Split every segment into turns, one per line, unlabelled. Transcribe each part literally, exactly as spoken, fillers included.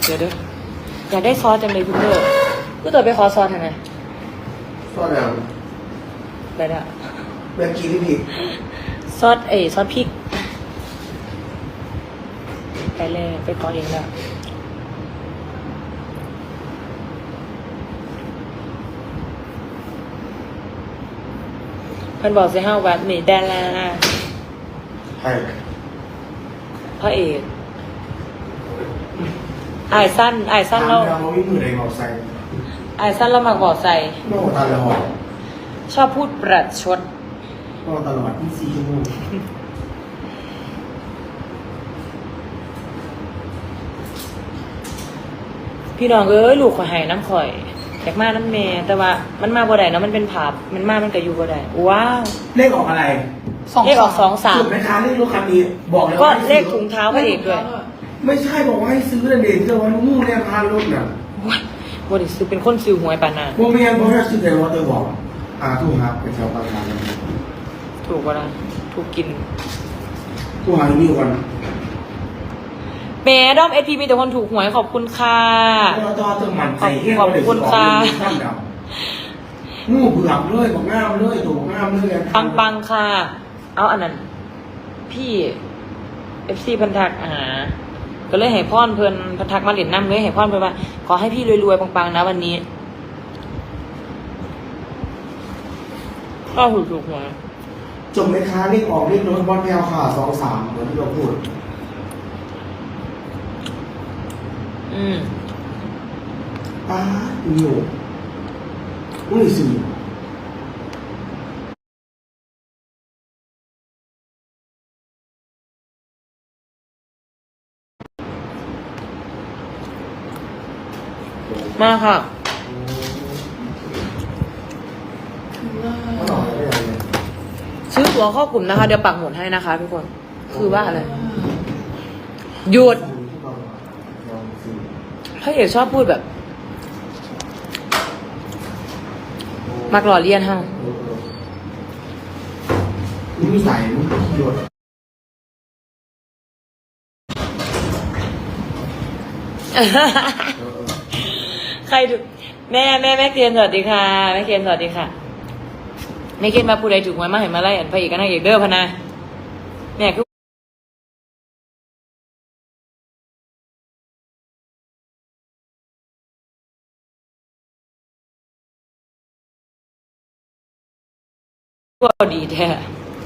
เดี๋ยวเด้ออยากได้ซอสจังเลยคุณเด้อกูตัวไปขอซอสทำไม
ซอสแล้ว
ไปละ
เมื่อกี้ที่ผิด
ซอสเอ้ซอสพริกไปเลยไปขอเองแล้วเพิ่นบอกสิห้าวัดนี่แดนลา
ใช่
พระเอกอายสั้นอายสั้น
ถาม
แล้ว
เราวิ่งมือไหนบอกใส่
อายสั้นแล้วมาบอกใส่
โน่ตลอด
ชอบพูดประชด
โน่ตลอดยี่สิบสี่ชั่วโมง
พี่น้องเอ้ยลูกข่อยให้น้ำข่อยอยากมาน้ำเมแต่ว่ามันมาบ่ได้เนาะมันเป็นผับมันมามันก็อยู่บ่ได้ว้าว
เลขออกอะไร
เลขออกสองสาม
สุดไหมคะเลขรถคันนี้บอกแล้ว
ก็
ว่าให้
เล
ซื้อ
ขถุงเท้าพระเอกด้วย
ไม่ใช่บอกว่าให้ซื้อนะเด่นเจอวันมู่เนี่ยพานรถน่ะ
ว้ายบ่ได้ซื้อเป็นคนซื้อหวยปานน่ะ
โมเมียนเพราะว่าซื้อแต่ว่าเตอบอกอ่าถูกครับเป็นแถวกลางๆเลย
ถูกบ่ล่ะถูกกิน
ถูกหาอยู่วัน
แหม่ด้อมเอพีมีแต่คนถูกหวยขอบคุณค่ะ
เราต่อเติมมันใจเฮี้ย
ขอบคุณค่ะ
งูเผือกเลยบอกง่ามเลยถูกง่ามเลย
ปังปังๆค่ะ เอาอันนั้น พี่เอฟซีพันทักหาก็เลยให้พ่อนเพิ่นพันทักมาเหรียญน้ำเลยให้พ่อนเพิ่นว่า ขอให้พี่รวยๆปังๆนะวันนี้ก็ถูกถูกหวย
จบไหมคะเลขออกเลขรถบอลแพลวค่ะสองสามเหมือนที่เราพูด
อืม
ป้าอยู่อุ้ยสิ
มาค่ะ
ไม่หล่อเลย
ซื้อตั๋วเข้ากลุ่มนะคะ เดี๋ยวปักหมุดให้นะคะทุกคน คือว่าอะไร หยุดพระเอกชอบพูดแบบ มักหล่อเลียนเฮา
นี่ใส่มึงหยด
ใครดูแม่แม่แม่เกียนสวัสดีค่ะแม่เกียนสวัสดีค่ะแม่เกียนมาผู้ใดถูกหวยมาเห็นมาไล่อันพระเอกกับนางเอกเด้อพะนะแม่คือก็ดีแท้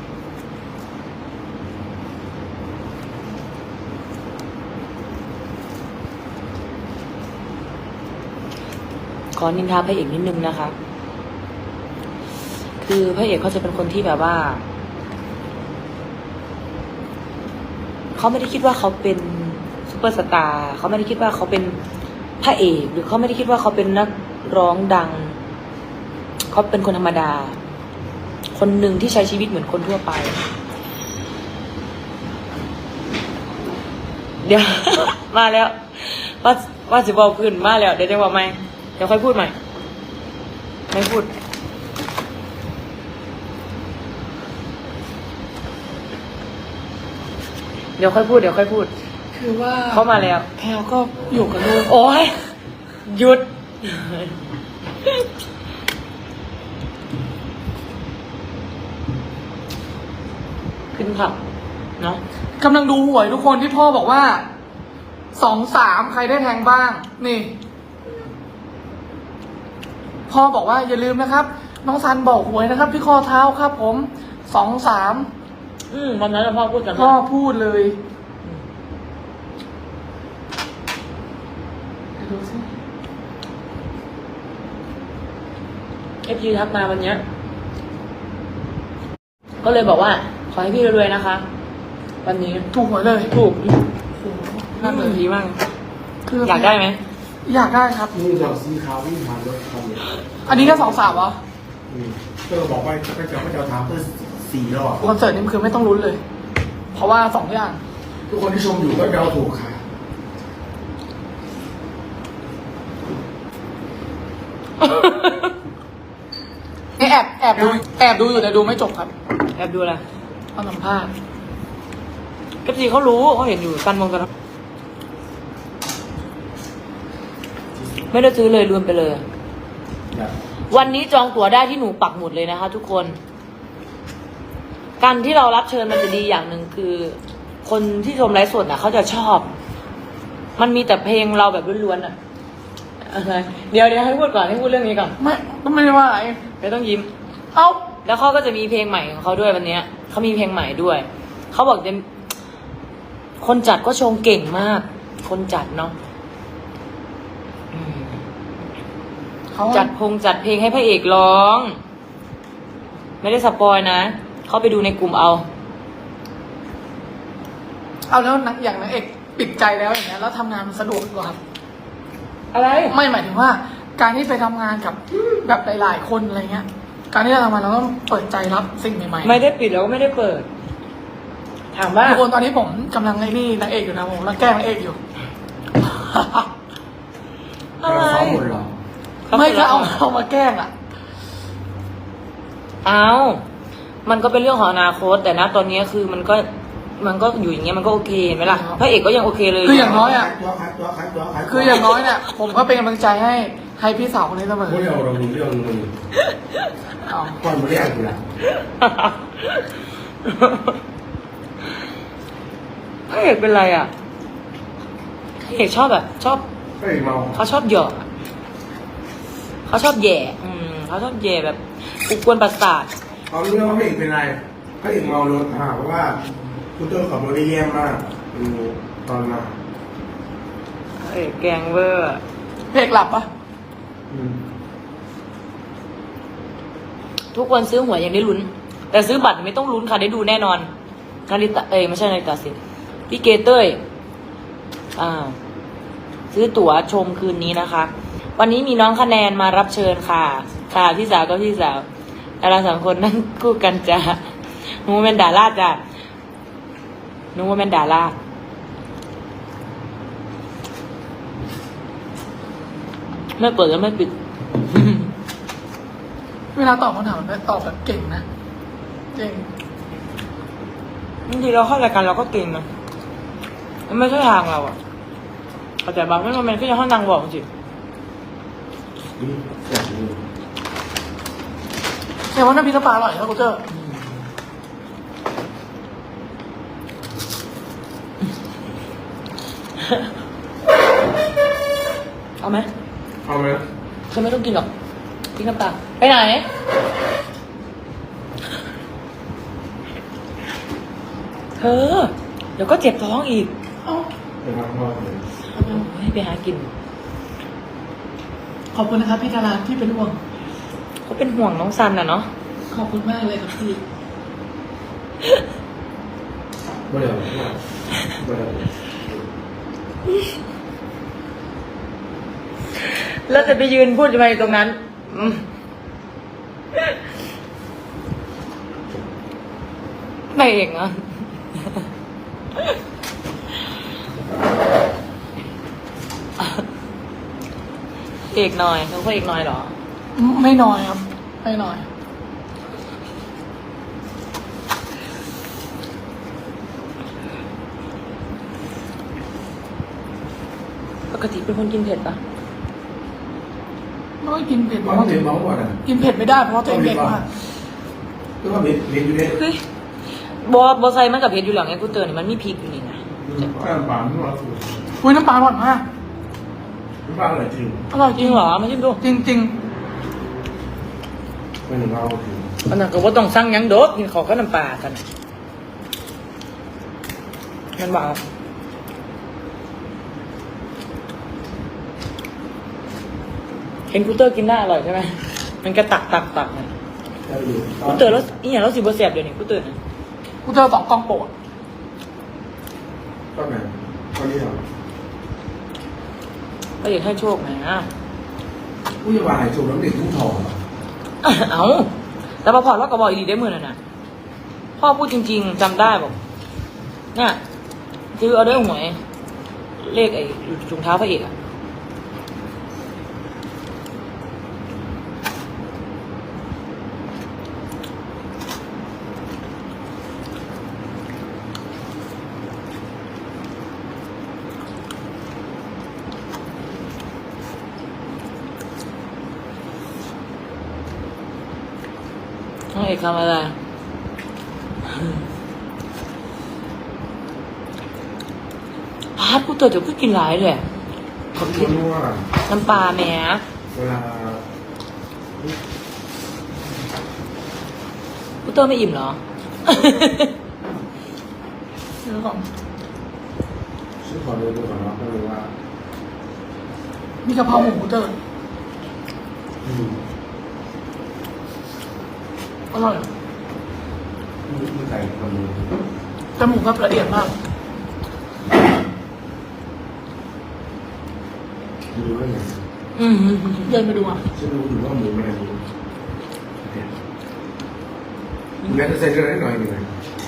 ขอนินทาพระเอกนิดนึงนะคะ คือพระเอกเขาจะเป็นคนที่แบบว่า เขาไม่ได้คิดว่าเขาเป็นซุปเปอร์สตาร์เขาไม่ได้คิดว่าเขาเป็นพระเอกหรือเขาไม่ได้คิดว่าเขาเป็นนักร้องดัง เขาเป็นคนธรรมดา คนหนึ่งที่ใช้ชีวิตเหมือนคนทั่วไป เดี๋ยว มาแล้ว ว่าว่าจะบอกพื้นมาแล้วเดี๋ยวจะบอกไหมเดี๋ยวค่อยพูดใหม่ไม่พูดเดี๋ยวค่อยพูดเดี๋ยวค่อยพูด
คือว่า
เขามาแล้ว
แพลวก็อยู่กับลูก
โอ้ยหยุด ขึ้นผับเนาะ
กำลังดูหวยทุกคนที่พ่อบอกว่าสองสามใครได้แทงบ้าง นี่ พ่อบอกว่าอย่าลืมนะครับ น้องซันบอกหวยนะครับ ที่ข้อเท้าครับ ผมสองสาม
อืมวันนั้นเราพ่อพูดกัน
พ่อพูดเลยดูสิ
เอฟซีทักมาวันเนี้ยก็เลยบอกว่า ขอให้พี่รวยๆนะคะ วันนี้
ถูกหวยเลย
ถูก
โอ้โห
น่า
นั่น
เบื่
เล
อย ดีมาก
คือ
อยากได้ไหม
อยากได้ครับ
นี่เราซื้อขาววิ่งผ่านรถคันนี้
อันนี้ก็สองสามเหรอ
เตอบอกว่าไปเจ้าไปเจ้าถามเตอสี่รอบ
คอนเสิร์ตนี้คือไม่ต้องลุ้นเลย เพราะว่าสองอย่าง
ทุกคนที่ชมอยู่ก็เดาถูกค่ะ
นี่แอบแอบดูแอบดูอยู่แต่ดูไม่จบครับ
แอบดูอะไร
เอาสัมภาษณ์
เอฟซีเขารู้เขาเห็นอยู่กันมองกันไม่ได้ซื้อเลยรวมไปเลย
แบบ
วันนี้จองตั๋วได้ที่หนูปักหมุดเลยนะคะ ทุกคน การที่เรารับเชิญมันจะดีอย่างหนึ่งคือ คนที่ชมไลฟ์สดน่ะเขาจะชอบ มันมีแต่เพลงเราแบบล้วนๆอ่ะอะไรเดี๋ยวเดี๋ยวให้พูดก่อนให้พูดเรื่องนี้ก่อน
ไม่ก็ไม่ได้ว่าอะไร
ไม่ต้องยิ้ม
เอ้า
แล้วเขาก็จะมีเพลงใหม่ของเขาด้วยวันเนี้ยเขามีเพลงใหม่ด้วย เขาบอกจะคนจัดก็ชงเก่งมาก คนจัดเนาะอืม
เขา
จัดพงจัดเพลงให้พระเอกร้อง ไม่ได้สปอยนะ เขาไปดูในกลุ่มเอา
เอาแล้วนักอย่างนางเอกปิดใจแล้วอย่างเงี้ยแล้วทำงานมันสะดวกกว่าครับ
อะไร
ไม่หมายถึงว่า การที่ไปทำงานกับแบบหลายๆคนอะไรเงี้ย การที่เราทำงานเราต้องเปิดใจรับสิ่งใหม่ๆ
ไม่ได้ปิดแล้วก็ไม่ได้เปิด ถามว่า
ทุกคนตอนนี้ผมกำลังไอ้นี่นางเอกอยู่นะผมกำลังแกล้งนางเอกอยู่
อะไร
เราซ้อมหมดเหรอ
ไม่ก็เอาเอามาแกล้งอ่ะ
เอามันก็เป็นเรื่องของอนาคต แต่นะตอนนี้คือมันก็มันก็อยู่อย่างเงี้ยมันก็โอเคเห็นไหมล่ะ
ครับ
พระเอกก็ยังโอเคเลย
คืออย่างน้อยอะ
ตัวขายตัวขายตัวขายตัว
คืออย่างน้อยเนี่ยผมก็เป็นกำลังใจให้ให้พี่สาวคนนี้เสมอ
พวกเราเราดูเรื่องมึง
เอา
ก่อนมาเรียกกูละ
พระเอกเป็นไรอ่ะพระเอกชอบแบบ ชอบ
เฮ้ยเมา
เขาชอบหยอกอะเขาชอบแย่ อืมเขาชอบแย่แบบอุกวนประสาท
เขาเรื่องว่าพระเอกเป็นไรพระเอกเมารถอ่าเพราะว่าคุณต้นขับรถได้แย่มากอืมตอนมา
พระเอกแกงเวอร์อะ
เพลงหลับปะ
อืม
ทุกคนซื้อหวยยังได้ลุ้น แต่ซื้อบัตรไม่ต้องลุ้นค่ะได้ดูแน่นอนนาริตะเอ้ยไม่ใช่นาริตะสิพี่เกเต้ยอ่า ซื้อตั๋วชมคืนนี้นะคะ วันนี้มีน้องคะแนนมารับเชิญค่ะ ค่ะพี่สาวก็พี่สาวดาราสองคนนั่งคู่กันจ้ะหนูเป็นดาราจ้ะหนูเป็นดาราไม่เปิดแล้วไม่ปิด
เวลาตอบคำถามมันตอบแบบเก่งนะเก่ง
บางทีเราเข้ารายการเราก็เก่งนะมันไม่ใช่ทางเราอะเข้าใจบางไม่มันเป็นแค่ห้องนางบอกจริง
อืมแบบนี้
แค่ว่าน้ำพริกน้ำปลาอร่อยครับกูเจอ
เอาไหม
เอาไหม
เธอไม่ต้องกินหรอกพริกน้ำปลาไปไหนเธอเดี๋ยวก็เจ็บท้องอีก
เอ้า
เป็นมากมากเลย
ให้ไปหากิน
ขอบคุณนะครับพี่ดาราที่เป็นห่วง
เขาเป็นห่วงน้องซันน่ะเนาะ
ขอบคุณมากเลยครับพี่
ไม่ได้ไม่ได้
แล้วจะไปยืนพูดทำไมตรงนั้นอืมไม่เองอ่ะ เอกหน่อยเขาก็เอกหน่อยเหรอ
ไม่น้อยครับไม่น้อย
ปกติเป็นคนกินเผ็ดปะ
ไม่ค่อยกินเผ็ดเพ
มั
ราะ
น
ว่า
เป็นเมาหมดอ่ะ
กินเผ็ดไม่ได้เพราะว่าตัวเองเด็กมาก
ก็ว่าเบ็ดเบ็ดอยู่เนี่ย
เฮ้ยบอบอไซมันกับเผ็ดอยู่หลังไงกูเตือนนี่มันมีพริกอยู่นี่นะ
แค่ปากไม่ว่าสูตร
อุ้ยน้ำปลาอร่อยมาก
ไม่ปากอะไรจริง
อร่อย
จ
จ
ริ
ริ
ง
ง
เหรอไม่ใช่ดู
จริงจริง
ไม่ถึงเราจริง
อันนั้นก็ว่าต้องสั่งหยังโดดกินเขาก็น้ำปลากันมันบอกเห็นกูเตอร์กินได้อร่อยใช่ไหมมันก็ตักตักตักนะ
ได้อยู่
กูเตอร์แล้วอีอย่างแล้วสิบเสียบเดี๋ยวนี้กูเตอร์นะ
ๆกูเจอสองกล่องโปรด
ก็ไหนก็นี่เหรอ
ก็อยากให้โชคนะ
ผู้ยาบาลจูบน้ำเด็กทุ่งทองเหรอ
เอาแต่พอพอดว่าก็บอกอีดีได้มือน่ะนะพ่อพูดจริง ๆจำได้บอกเนี่ยซื้อเอาด้วยหวยเลขไอ้ถุงเท้าพระเอกอะน้องเอกทำอะไรพาดกูตัวเดี๋ยวกูกินหลายเลย
ขอบคุณว่า
น้ำปลาแหม่
เวลา
กูเตอร์ไม่อิ่มเหรอ
เดี๋ยวก่อน
ชื่อขอดูดูก่อนเนาะไม่รู้ว่า
มีกะเพราหมูเตอร์
อืม
อร่อย
นี่คือไก่คนนึง
แต่หมูแบบละเอียดมาก
ดูว่าอย่าง
อืม
เดินไปดูอ่ะ
ฉันดูอยู่ว่าหมูมันอะไรแม้จะใส่เกลือนิดหน่อยหนึ่ง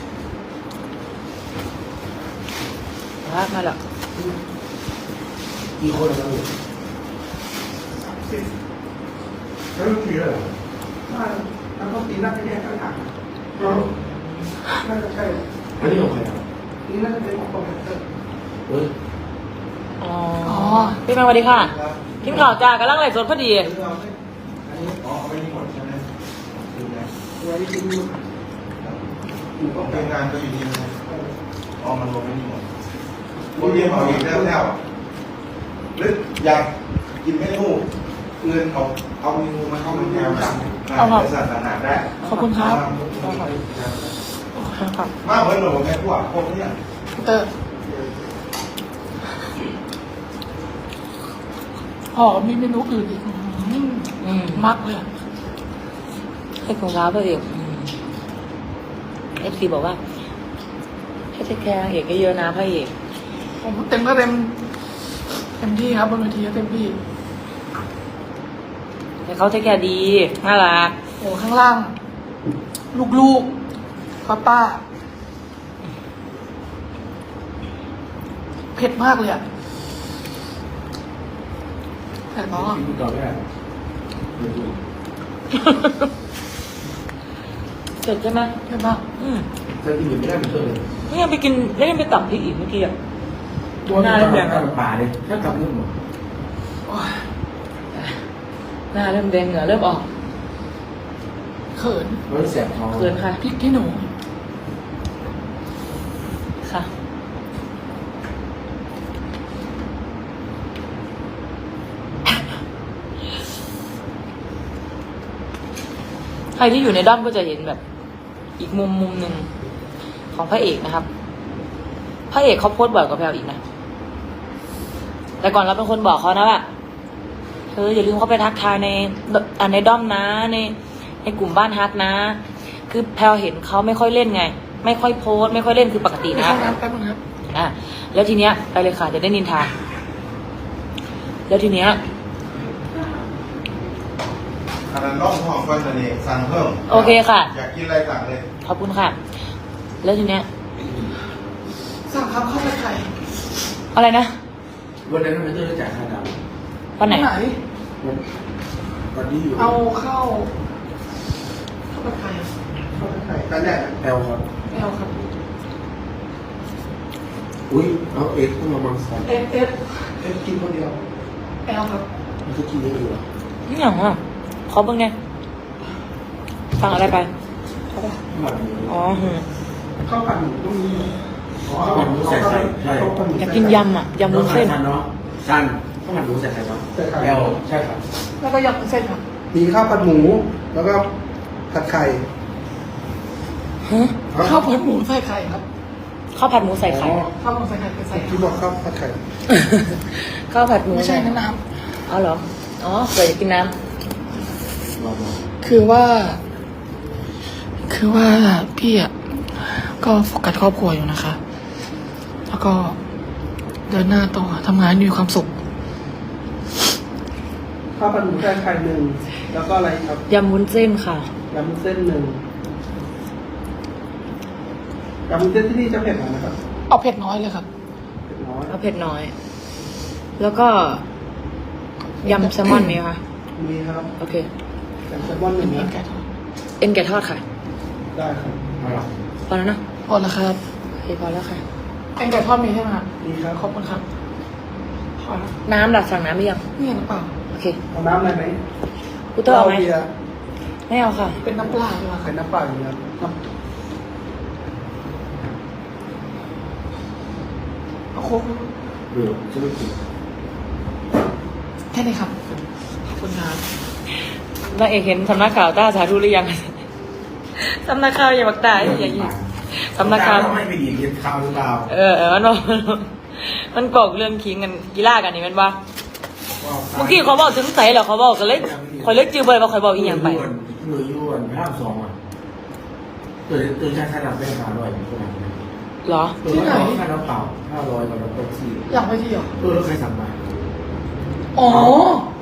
พาดมาแล้ว
กี่คนแล้วเนี่ยสิบแล้วต้องกี่เลยเหรอ
ถ้าแล้วก็ตีน่าจะแยกกันถัง
อ๋อ
น่าจะใช่
อันนี้ของใครอ่ะ
นี่น่าจะเป็นของคอมพิวเตอร์
เฮ้ย
อ๋อพี่แม่สวัสดีค่ะกินข่าวจ้ากำลังไลฟ์สดพอดี
อันนี้อ๋อเอาไว้นี่หมดใช่ไหมดูนะไว้ที่ดูอยู่ของ
ทีมงานก็อยู่นี่นะอ๋อมันรวมไม่นี่หมดพวกเรียนเอาเองแล้วแล้วหรืออยากกินเมนูอื่นเอาเอาเมนูมาเข้ามาแนวสั่งบริษัทต่างๆได้
ขอบคุณครับ
ครับ
มากเหมือนหนูแม่พวกพวกเนี้ย
เตอร์อ๋อมีเมนูอื่นอีกอืม
อืม
มักเลย
ให้ของร้านพระเอกเอฟซีบอกว่าให้เทคแคร์นางเอกเยอะๆนะพระเอก
ผมเต็มก็เต็มเต็มที่ครับบนเวทีก็เต็มที่
แต่เขาเทคแคร์ดีน่ารัก
โอ้ข้างล่าง ลูกๆป้าป้าเผ็ดมากเลยอ่ะเผ็ดมาก
ที่ต่อไม่ได้ไม่รู้
เสร็จใช่ไหม
เผ็ดมาก
อืม
ถ้าที่อื่นไม่ได้เป็นตัวเลย
นี่ยังไปกินแล้วยังไปตับพริกอีกเมื่อกี้อ่ะ
ตัวหน้าเริ่มแดงกับป่าเลยถ้ากลับเรื่องหมด
โอ้ย
หน้าเริ่มแดงเหงื่อเริ่มออก
เขิน
มันแสบท้อง
เกินค่ะ
พริกที่หนู
ค่ะใครที่อยู่ในด้อมก็จะเห็นแบบ อีกมุมมุมหนึ่งของพระเอกนะครับ พระเอกเขาโพสต์บ่อยกว่าแพลวอีกนะ แต่ก่อนเราเป็นคนบอกเขานะว่าเธออย่าลืมเข้าไปทักทายในอ่าในด้อมนะ ในในกลุ่มบ้านฮักนะ คือแพลวเห็นเขาไม่ค่อยเล่นไง ไม่ค่อยโพสต์ไม่ค่อยเล่นคือปกติ
ไป
นะ
เข้าน้ำแป๊บนึงครับ
อ่ะแล้วทีเนี้ยไปเลยค่ะจะได้นินทาแล้วทีเนี้ย
อันนั้นร่องห้องกันจะนี่สั่งเพิ่ม
โอเคค่ะ
อยากกินอะไรสั่งเลย
ขอบคุณค่ะ แล้วทีเนี้ย
สั่งครับข้าวผัดไข่
อะไรนะ
วันนั้นมันจะจ่ายค่าดาว
วันไหน
ไหน
วันวันที่อยู่
เอาข้าวข้าวผัดไข่
เขาจะใส่กันแดด
แอลครับ
ไม่เอาครับ
อุ้ยเอาเอ็กซ์ต้องมาบังสัน
เอฟเอฟ
เป็นกินคนเดียว
แอลครับ
มันจะกินได้อยู่หรอ
นี่อย่างอ่ะขอเบิ่งเนี่ยสั่งอะไรไป
แบบนี้
อ๋อหืม
ข้าวผัดหมูต้องมี
อ๋อข้าวผัดหมูใส่ไข่ใช่
ข้าวผัดหมู
อยากกินยำอ่ะยำวุ้นเส้น
สั้นเนาะสั้นข้าวผัดหมูใส่ไข่เนาะแอลใช่ครับ
แล้วก็ยำวุ้นเส้นครับ
มีข้าวผัดหมู แล้วก็ผัดไข่
ฮะ
ข้าวผัดหมูใส่ไข่ครับ
ข้าวผัดหมูใส่ไข่
อ๋อ
ข้าวหมูใส่ไข่เป็นใส่
ที่บอกข้าวผัดไข่
ข้าวผัดหมู
ไม่ใช่น้ำน้
อ๋อเหรอ อ๋อเผื่ออยากกินน้
ำคือว่า คือว่าพี่อ่ะก็โฟกัสครอบครัวอยู่นะคะ แล้วก็เดินหน้าต่อทำงานมีความสุข
ข้าวผัดหมูใส่ไข่หนึ่งแล้วก็อะไรครับ
ำยำวุ้นเส้นค่ะ
ยำวุ้นเส้นหนึ่งยำวุ้นเส้นที่นี่จะเผ็ดหน่อยนะครับ
เอาเผ็ดน้อยเลยครับ
เผ็ดน้อย
เอาเผ็ดน้อย แล้วก็ยำแซลมอนมีไหมคะ
มีครับ
โอเค
ยำแซลมอนหนึ่ง
เอ็
นะ
นแกะทอด
เอ็นแกะทอดค่ะ
ได้ครับ
เอาหรอ
พอแล้วนะ
พอแล้วครับ
โอเคพอแล้วค่ะ
เอ็นแกะทอดมีใช่ไหมครับ
มีครับ
ขอบคุณครับพอแล้ว
น้ำหลักสั่งน้ำหรือยัง
นี่หรือเปล่า
โอเค
เอาน้ำอะไรไหม
กูเตอร์เอาไหม
บียร์
ไม่เอาค่ะ
เป็นน้ำปลาดีกว่า
เป็
ค่ะ
นน้ำเปล่าอย่างเงี้ย
น้ำเอาโค้ก
เบื่อจะไม่กิน
แค่นี้ครับขอบคุณครับ
นางเอกเห็นสำนักข่าวต้าสาธุหรือยัง สำนักข่าวอย่าบักตายอย่างนี้สำนักข่าว
ไม่ไปดีเรียนข่าวหรือเปล่า
เออเออมันบอกมันบอกเรื่องคิงกันกีฬากันนี่แมันว่าเมื่อกี้เขาบอกถึงใสเหรอเขาบอกกันเลยคอยเลิกจื้อไปว่าคอยบอกอีกอย่างไป
หน่วยยวนห้าสองอ่ะตัวตัวใช้ขนาดไม่หาร้อยขนาดนี้
เหรอ
ตัวนี้ค่าน้ำเปล่าห้าร้อยกับน้ำเปล่าที่
อยากไปเที่ยว
ตัวเราเคยสั่งมา
อ๋อ